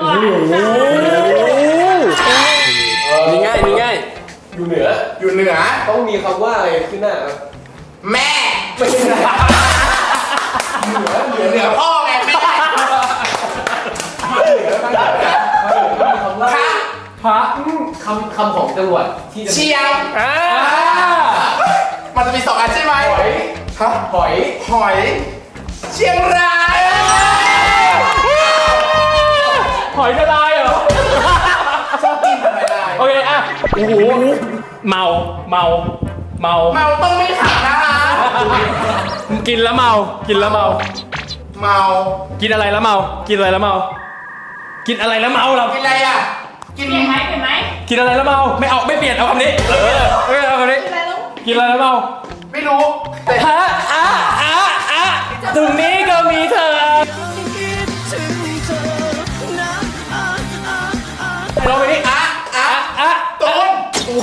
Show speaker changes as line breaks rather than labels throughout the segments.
นี่ง่ายนี่ง่ายอยู่เหนือ
ต้องมีคำว่าอะไรขึ้นหน้าครับ
แม่
ไม่ใช่
เหนือพ่อไงแม่พระ
คำของจังหวัดที่จะ
เชียงมันจะมี2 อันใช่ไหมหอยเชียงราย
หอยกระไดเหรอ
ชอบกินหอยลาย
โอเคอ่ะโอ้โหเมา
ต้องไม่ขับนะคะ
กินแล้วเมากินอะไรแล้วเมากินอะไรแล้วเมาเรา
กินอะไรอ่ะกิน
เปลี่ยนไหม
กินอะไรแล้วเมาไม่เปลี่ยนเอาคำนี้เอาคำนี้กินอะไรแล้วเมา
ไม่รู้แต่
ตรงนี้ก็มีเธอเราไปนี่
ตูน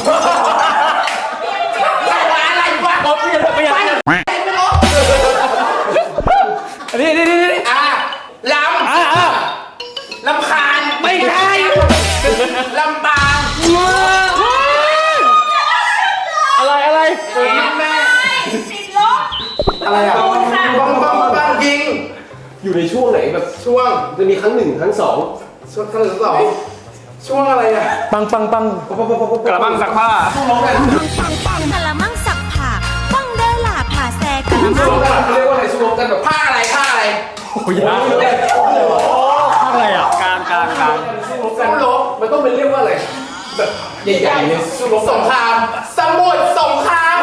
อะไรวะ
เปลี่ยน
ไม่รู้
นี่
ลำคาญ
ไม่ใช่
ลำปาง
อะไร
แม่
ติดลบ
อะไรอ่ะ
บังยิง
อยู่ในช่วงไหนแบบ
ช่วง
จะมีครั้ง 1 ครั้ง 2
ช่วงครั้งที่ 2ช่วงอะไรอ่ะ
ปังกระบังซักผ้า
กะละมังสักผักฟังเด้อล่ะผ่าแซกะละมั
ช่ว
ง
งกันเรียกว่าอะไรช่วงกันแบบ
ผ้าอะไร
โอ้ยอะไรอ่ะกลาง
สู้รบ
มันต้องเป็นเรียกว่าอะไรแบบใหญ่ๆเนี่ย
สงครามสมุทรสงคราม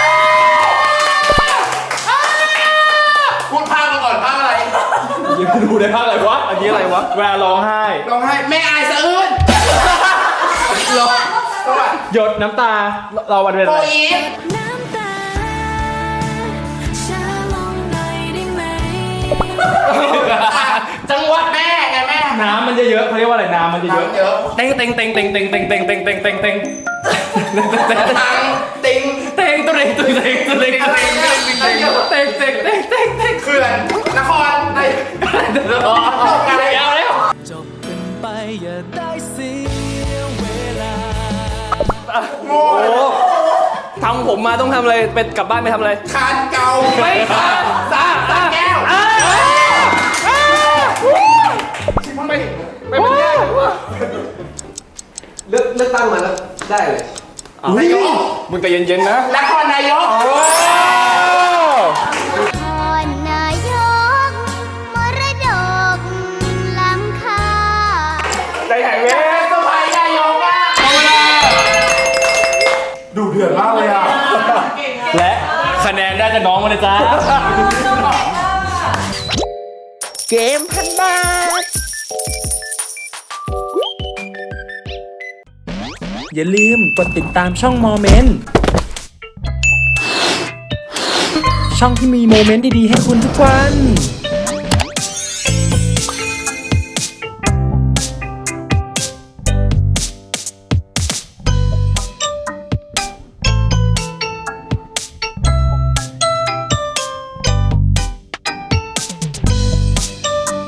พูดภาคมาก่อนภาคอะไร
ยังดูได้ภาคอะไรวะอันนี้อะไรวะเวลาร้องไห้
ร้องไห้แม่อายสะอื้นร้องสวัสดี
หยดน้ำตาเราวันเว
โฟ
ลา
อีฟ
น้ำตาช้าลงหน่อยได้ไหม
จังหวัดแม่ไงแม่
น้ำมันจะเยอะเขาเรียกว่าอะไรน้ำมันจะเยอะ
น้ำเยอะ
เต็งตังติงตุเรง
เขื่อนนครในอะไร
เอาแล้ว
จบกันไปอย่าได้เสียเวลา
โง่
โอ้ทำผมมาต้องทำอะไรไปกลับบ้านไปทำอะไร
คานเก่า
ไม่ค่ะ
สาแก้วไม่เป็นแก้ว
เลือกตั้งมาแล้วได้เลย
นายก
มึงแต่เย็นๆนะ
นครนายก
พรนายกมรดกล้ำค่า
ใจหายเว้ย
สมัยนายกอ่ะดูเดือดมากเลยอ่ะ
และคะแนนได้จากน้องมาเลยจ้า
เกมพันบาทอย่าลืมกดติดตามช่องโมเมนต์ช่องที่มีโมเมนต์ดีๆให้คุณทุกวัน